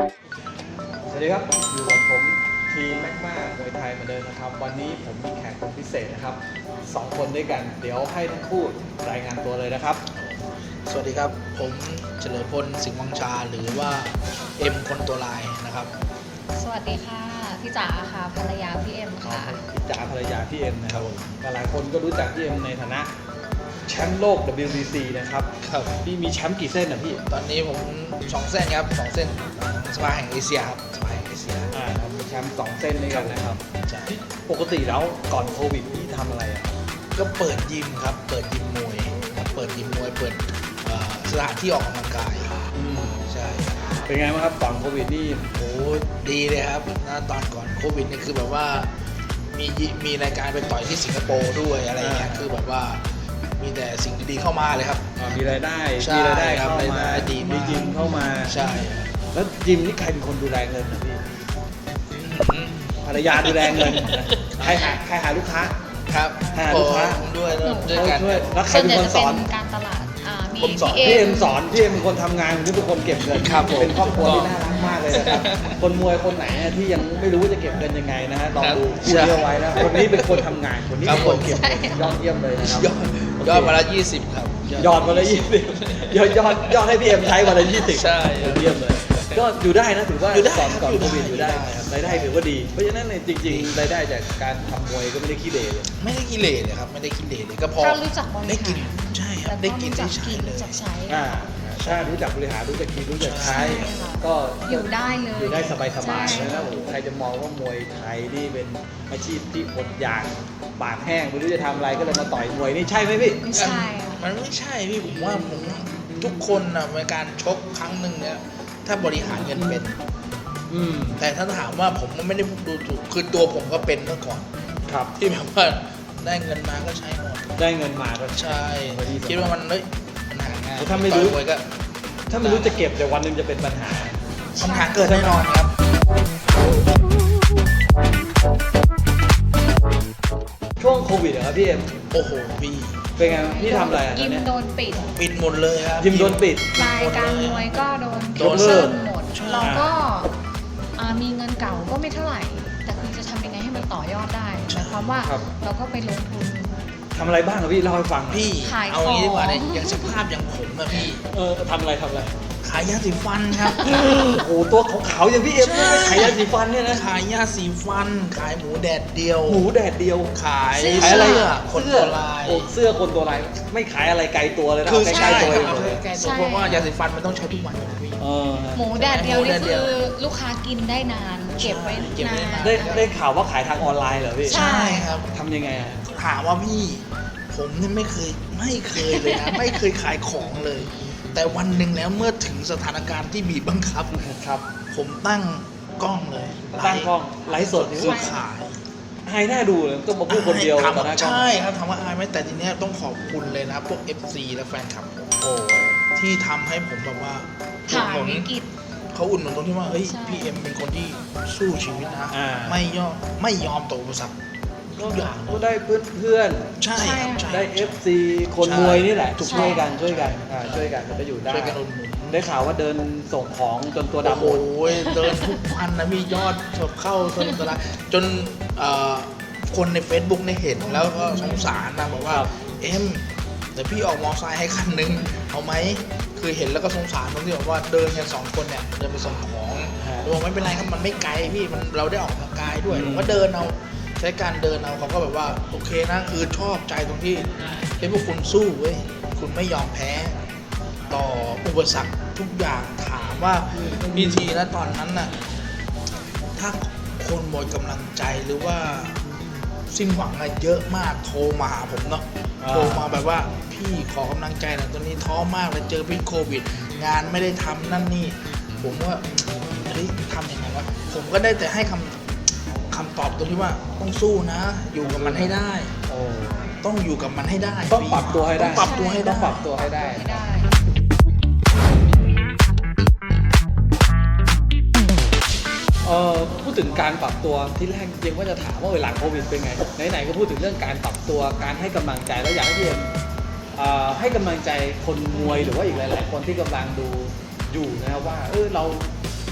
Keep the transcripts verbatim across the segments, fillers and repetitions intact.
สวัสดีครับอยู่กับผมทีมแม็กมามวยไทยเหมือนเดิมนะครับวันนี้ผมมีแขกคนพิเศษนะครับสองคนด้วยกันเดี๋ยวให้ทั้งคู่รายงานตัวเลยนะครับสวัสดีครับผมเฉลิมพลสิงห์วังชาหรือว่าเอ็มคนตัวลายนะครับสวัสดีค่ะพี่จ๋าค่ะภรรยาพี่เอ็มค่ะพี่จ๋าภรรยาพี่เอ็มนะครับหลายคนก็รู้จักพี่เอ็มในฐานะแชมป์โลก ดับเบิลยู บี ซี นะครับครับพี่มีแชมป์กี่เส้นนะพี่ตอนนี้ผมสองเส้นครับสองเส้นสภาแห่งเอเชียครับสภาแห่งเอเชียอ่ามีแชมป์สองเส้นด้วยกันนะครับใช่ปกติแล้วก่อนโควิดพี่ทำอะไรอ่ะก็เปิดยิมครับเปิดยิมมวยเปิดยิมมวยเปิดสถานที่ออกกำลังกายใช่เป็นไงบ้างครับก่อนโควิดนี่โอ้ดีเลยครับนะตอนก่อนโควิดนี่คือแบบว่ามีมีรายการไปต่อยที่สิงคโปร์ด้วยอะไรเงี้ยคือแบบว่ามีแต่สิ่งดีๆเข้ามาเลยครับมีรายได้มีรายได้เข้ามาดีมียิมเข้ามาใช่แล้วยิมนี่ใครเป็นคนดูแลเงินนะพี่ภรรยาดูแลเงินใครหาใครหาลูกค้าครับหาลูกค้าด้วยด้วยกันแล้วใครเป็นคนสอนการตลาดมีพี่เอ็มสอนพี่เอ็มเป็นคนทำงานพี่เป็นคนเก็บเงินเป็นครอบครัวที่น่ารักมากเลยนะครับคนมวยคนไหนที่ยังไม่รู้ว่าจะเก็บเงินยังไงนะฮะลองดูพูดเยอะไว้นะคนนี้เป็นคนทำงานคนนี้เป็นคนเก็บเงินยอดเยี่ยมเลยนะครับยอดมาละยี่สิบครับยอดมาละยี่สิบยอดยอดยอดให้พี่เอ็มใช้วันละยี่สิบใช่เยี่ยมเลยก็อยู่ได้นะถือว่าก่อนก่อนโควิดอยู่ได้ครับรายได้ถือว่าดีเพราะฉะนั้นในจริงๆรายได้จากการทำมวยก็ไม่ได้ขี้เหร่เลยไม่ได้ขี้เหร่เลยครับไม่ได้ขี้เหร่เลยก็พอได้กินใช่ครับได้กินได้ใช้เลยอ่าถ้ารู้จักบริหารรู้จักกินรู้จักใช้ก็อยู่ได้เลยอยู่ได้สบายๆแล้วโอ้ใครจะมองว่ามวยไทยนี่เป็นอาชีพที่อดอยากปากแห้งไม่รู้จะทำอะไรก็เลยมาต่อยมวยนี่ใช่ไหมพี่ไม่ใช่มันไม่ใช่พี่ผมว่าผมทุกคนนะในการชกครั้งหนึ่งเนี่ยถ้าบริหารเงินเป็นอืมแต่ถ้าถามว่าผมมันไม่ได้ดูถูกคือตัวผมก็เป็นเมื่อก่อนครับที่แบบว่าได้เงินมาก็ใช้หมดได้เงินมาก็ใช่คิดว่ามันเฮ้ยปัญหาง่ายถ้าไม่รู้ก็ถ้าไม่รู้จะเก็บเดี๋ยววันนึงจะเป็นปัญหาปัญหาเกิดแน่นอนครับช่วงโควิดอะครับพี่เอ็มโอ้โหพี่เป็นไงพี่ทำอะไรยิมโดนปิดปิดหมดเลยครับยิมโดนปิดรายการมวยก็โดนโดนเลิกหมดเราก็มีเงินเก่าก็ไม่เท่าไหร่แต่คือจะทำยังไงให้มันต่อยอดได้หมายความว่าเราก็ไปลงทุนทำอะไรบ้างครับพี่เล่าให้ฟังพี่เอางี้ดีกว่าเนี่ยอย่างสภาพอย่างผมอะพี่เออทำอะไรทำอะไรขายยาสีฟันครับโอ้โหตัวขาวๆอย่างพี่เอ็มขายยาสีฟันเนี่ยนะขายยาสีฟันขายหมูแดดเดียวหมูแดดเดียวขายเสื้อคนตัวลายเสื้อคนตัวลายไม่ขายอะไรไกลตัวเลยนะคือใกล้ตัวเลยเพราะว่ายาสีฟันมันต้องใช้ทุกวันพี่หมูแดดเดียวนี่คือลูกค้ากินได้นานเก็บไว้นานได้ได้ข่าวว่าขายทางออนไลน์เหรอพี่ใช่ครับทำยังไงอะถามว่าพี่ผมนี่ไม่เคยไม่เคยเลยนะไม่เคยขายของเลยแต่วันหนึ่งแล้วเมื่อถึงสถานการณ์ที่บีบบังคับครับผมตั้งกล้องเลยตั้งกล้องไลฟ์สดเพื่อขายอายน่าดูเลยต้องมาพูดคนเดียวตอนนั้นใช่ครับถามว่าอายไหมแต่ทีเนี้ยต้องขอบคุณเลยนะพวก เอฟ ซี และแฟนคลับโอ้ที่ทำให้ผมแบบว่าผ่านวิกฤตเขาอุ่นหนุนตรงที่ว่าเฮ้ยพี่เอ็มเป็นคนที่สู้ชีวิตนะไม่ยอมไม่ยอมตกอุปสรรคก็ได้เพื่อนเพื่อนใช่ได้ เอฟ ซี คนมวยนี่แหละช่วยกันช่วยกันช่วยกันมันก็อยู่ได้ได้ข่าวว่าเดินส่งของจนตัวดำหมดโอ้ยเดินทุกวันนะมียอดเข้าจนตลาดจนคนใน Facebook เนี่ยเห็นแล้วก็สงสารนะบอกว่าเอ็มแต่พี่ออกมอไซค์ให้คันนึงเอาไหมคือเห็นแล้วก็สงสารตรงที่บอกว่าเดินกันสองคนเนี่ยเดินไปส่งของบอกไม่เป็นไรครับมันไม่ไกลพี่มันเราได้ออกกำลังกายด้วยผมก็เดินเอาใช้การเดินเอาเขาก็แบบว่าโอเคนะคือชอบใจตรงที่เฮ้ยพวกคุณสู้เว้ยคุณไม่ยอมแพ้ต่ออุปสรรคทุกอย่างถามว่าวิธีนะตอนนั้นน่ะถ้าคนหมดกำลังใจหรือว่าสิ้นหวังอะไรเยอะมากโทรมาหาผมเนาะโทรมาแบบว่าพี่ขอกำลังใจหน่อยตอนนี้ท้อมากเลยเจอพิษโควิดงานไม่ได้ทำนั่นนี่ผมว่าเฮ้ยทำยังไงวะผมก็ได้แต่ให้คำคำตอบตรงที่ว่าต้องสู้นะอยู่กับมันให้ได้ต้องอยู่กับมันให้ได้ต้องปรับตัวให้ได้ต้องปรับตัวให้ได้ต้องปรับตัวให้ได้เอ่อพูดถึงการปรับตัวที่แรกจริงว่าจะถามว่าหลังโควิดเป็นไงไหนๆก็พูดถึงเรื่องการปรับตัวการให้กำลังใจแล้วอยากให้พี่เอ็มให้กำลังใจคนมวยหรือว่าอีกหลายๆคนที่กำลังดูอยู่นะครับว่าเออเรา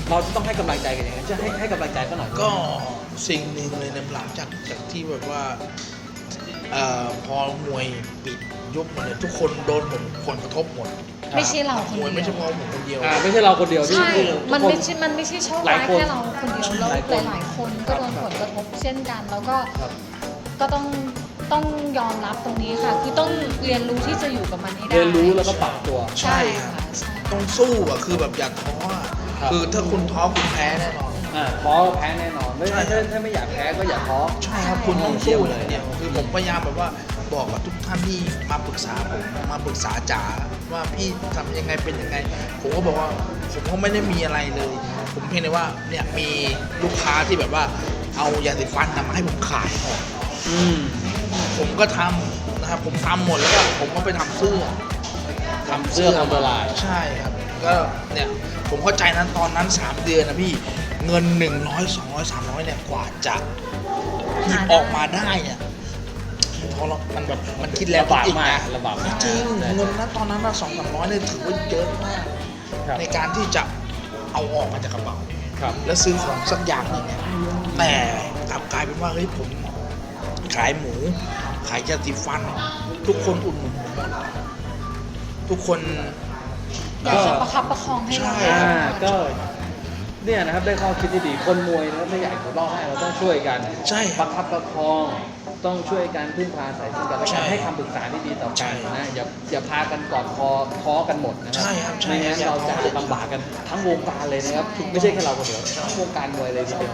เราจะต้องให้กำลังใจกันยังไงจะให้ให้กำลังใจเขาหน่อยก็สิ่งหนึ่งเลยในหลังจากจากที่แบบว่าเอ่อพอมวยปิดยุบหมดเนี่ยทุกคนโดนผลผลกระทบหมดไม่ใช่เราคนมวยเดีไม่ยใช่วเพราะผมคนเดียวอ่าไม่ใช่เราคนเดียวที่ใช่ที่มันทุกคไม่ใช่ มันไม่ใช่โชคหลาร้าย ยคนแค่เราคนเดียวแล้วหลายคนหลายๆคนก็โดนผลกระทบเช่นกัน แล้วก็ครับก็ต้องต้องยอมรับตรงนี้ค่ะ คือต้องเรียนรู้ที่จะอยู่กับมันให้ได้เรียนรู้แล้วก็ปรับตัวใช่ค่ะใช่ต้องสู้อ่ะคือแบบอย่าท้ออ่ะครับคือถ้าคุณท้อคุณแพ้แน่นอนอ่าท้อแพ้แน่นอนไม่ใช่ถ้าถ้าไม่อยากแพ้ก็อย่าท้อใช่ครับคุณต้องสู้เลยเนี่ยคือผมพยายามแบบว่าบอกกับทุกท่านที่มาปรึกษาผมมาปรึกษาจ๋าว่าพี่ทำยังไงเป็นยังไง ผมก็บอกว่าผมก็ไม่ได้มีอะไรเลย ผมเพียงแต่ว่าเนี่ยมีลูกค้าที่แบบว่าเอายาสีฟันน่ะมาให้ผมขายอืมผมก็ทำนะครับผมทำหมดแล้วก็ผมก็ไปทำเสื้อทำเสื้อทำละลายใช่ครับก็เนี่ยผมเข้าใจนั้นตอนนั้นสามเดือนนะพี่เงินหนึ่งร้อยสองร้อยสามร้อยเนี่ยกว่าจะหยิบออกมาได้เนี่ยเพราะเรามันแบบมันคิดแล้วลำบากคิดอีมากนะลำบากมากจริงๆเงินนั้นตอนนั้นสองสามร้อยเนี่ยถือว่าเยอะมากครับในการที่จะเอาออกมาจากกระเป๋าครับแล้วซื้อของสักอย่างหนึ่งเนี่ยแต่กลับกลายเป็นว่าเฮ้ยผมขายหมู ขายยาสีฟัน ทุกคนอุดหนุนผมหมดทุกคนอยากจะประคับประคองให้เราใช่อ่าก็เนี่ยนะครับได้ข้อคิดที่ดีคนมวยนะครับถ้าอยากจะรอดได้เราต้องช่วยกันใช่ประคับประคองต้องช่วยกันพึ่งพาอาศัยซึ่งกันและใช่กันให้คำปรึกษาที่ดีต่อใช่กันนะอย่าอย่าพากันกอดคอท้อกันหมดนะครัใช่ครับใช่ไม่งั้นอย่าเราจะท้อลำบากกันทั้งวงการเลยนะครับไม่ใช่แค่เราคนเดียวทั้งวงการมวยเลยทีเดียว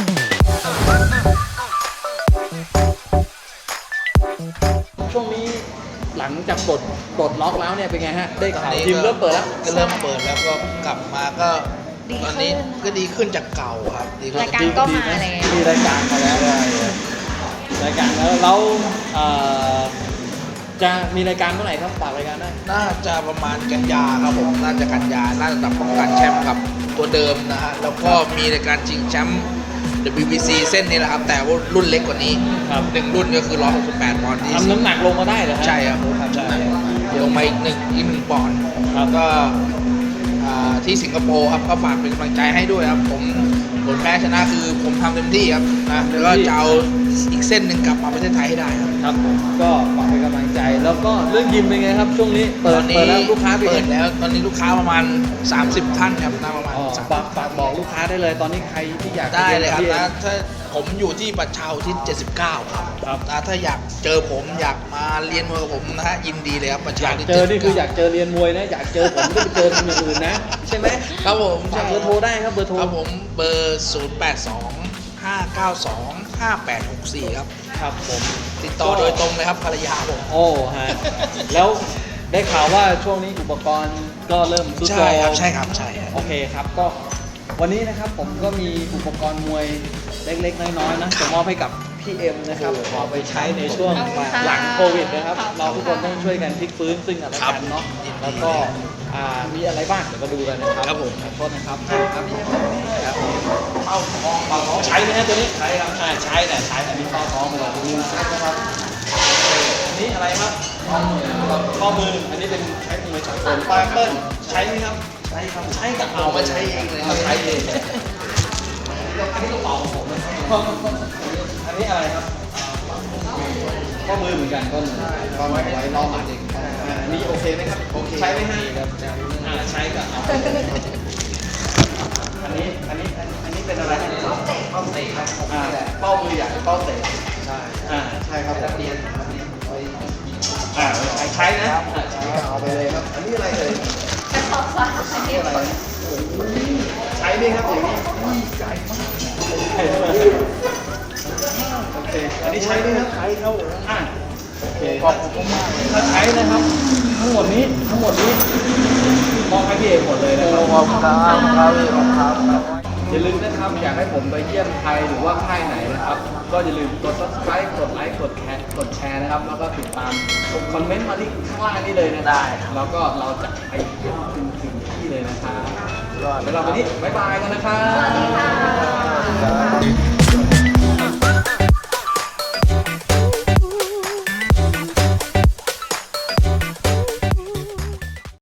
ช่วงนี้หลังจากปลดปลดล็อกแล้วเนี่ยเป็นไงฮะได้ข่าวทีมเริ่มเปิดแล้วก็เริ่มเปิดแล้วก็กลับมาก็ดีตอนขึ้นี้นก็ดีขึ้นจากเก่าครับดีขึ้นรายการก็มาแล้วมีรายการมาแล้วรายการแล้วแล้วเอ่อจะมีรายการเมื่อไหร่ครับฝากรายการได้น่าจะประมาณกันยาครับผมน่าจะกันยาน่าจะป้องกันแชมป์กับตัวเดิมนะฮะแล้วก็มีรายการชิงแชมป์ ดับเบิลยู บี ซี เส้นนี้แหละครับแต่ว่ารุ่นเล็กกว่านี้ครับหนึ่งรุ่นก็คือหนึ่งร้อยหกสิบแปดปอนด์ที่ทำน้ำหนักลงมาได้เหรอฮะใช่ครับครับใช่ลงมาอีกหนึ่งอีกหนึ่งปอนด์ครับก็อ่าที่สิงคโปร์ครับก็ฝากเป็นกำลังใจให้ด้วยครับผมผลแพ้ชนะคือผมทำเต็มที่ครับนะแล้วก็จะเอาอีกเส้นหนึ่งกลับมาประเทศไทยให้ได้ครับครับผมก็ฝากเป็นกำลังใจแล้วก็เรื่องยิมเป็นไงครับ ช่วงนี้เปิตดอนเปินี้ดแล้วลูกค้าเป็นเปิไงดแล้วตอนนี้ลูกค้าประมาณ สามสิบ ท่านครับน่าประมาณอ๋อสามฝากฝากบอกลูกค้าได้เลย ตอนนี้ใครที่อยากได้เลยครับที่นะถ้าผมอยู่ที่ประชาอุทิศเจ็ดสิบเก้าครับครับนะถ้าอยากเจอผมอยากมาเรียนมวยกับผมนะฮะยินดีเลยครับประอชายากอุทิศเจอนี่คืออยากเจ็ดสิบเเจอเรียนมวยนะอยากเจอผมไม่ไปเจอทีมอื่นนะใช่ไหมก้าครับผมฝากเบอร์โทรได้ครับเบอร์โทรครับผมเบอร์ศูนย์ แปด สอง ห้า เก้า สอง ห้า แปด หก สี่ครับครับผมติดต่อโดยตรงเลยครับภรรยาผมโอ้ฮะแล้วได้ข่าวว่าช่วงนี้อุปกรณ์ก็เริ่มซุดโทรใช่ครับมใช่ครับใช่ครับโอเคครับก็วันนี้นะครับผมก็มีอุปกรณ์มวยเล็กๆน้อยๆนะจะมอบให้กับพี่เอ็มนะครับเอาไปใช้ในช่วงขอบคุณค่ะหลังโควิดนะครับขอบคุณเราทุกคนค่ะต้องช่วยกันพลิกฟื้นซึ่งกันและกันเนาะแล้วก็อ่ามีอะไรบ้างเดี๋ยวมาดูกันนะครับครับผมขอโทษนะครับครับพี่เอ็มครับเป้าท้องเป้าท้องใช้ไหมฮะตัวนี้ใช้ครับอ่าใช้แต่ใช้อันนี้เป้าท้องเลยดูใช้นะครับอันนี้อะไรครับข้อมือข้อมืออันนี้เป็นใช้มือใช้ส่วนปลายเปิ้ลใช้ไหมครับใช้ครับใช้กับเอามาใช้เองเลยครับใช้เองอันนี้กระเป๋าของผมนะอันนี้อะไรครับข้อมือเหมือนกันก็ก็ไว้ไว้รอหมัดเองอ่าอันนี้โอเคไหมครับโอเคใช้ไหมฮะอ่าใช้กับเอาอันนี้อันนี้อันนี้เป็นอะไรเป้าเตะเป้าเตะครับอ่าเป้ามือใหญ่เป้าเตะใช่อ่าใช่ครับนักเรียนนักเรียนไว้อ่าใช้ใช้นะอ่าใช้เอาไปเลยครับอันนี้อะไรเลยแต่ขอบฟ้าอันนี้อะไรใช้ไหมครับอย่างนี้ใช้มากโอเคอันนี้ใช้ไหมครับใช้เข้าอ่าโอเคขอบคุณมากถ้าใช้นะครับ ทั้งหมดนี้ทั้งหมดนี้มอบให้พี่เอกหมดเลยนะครับขอบคุณครับครับครับอย่าลืมนะครับอยากให้ผมไปเยี่ยมใครหรือว่าค่ายไหนนะครับ ก็อย่าลืมกด ซับสไครบ์ กดไลค์กดแชร์กดแชร์นะครับ แล้วก็ติดตามคอมเมนต์มาที่ข้างล่างนี้เลยนะได้แล้วก็เราจะไปเยี่ยมถึงถึงที่เลยนะครับแล้วเราวันนี้บ๊ายบายกันนะครับ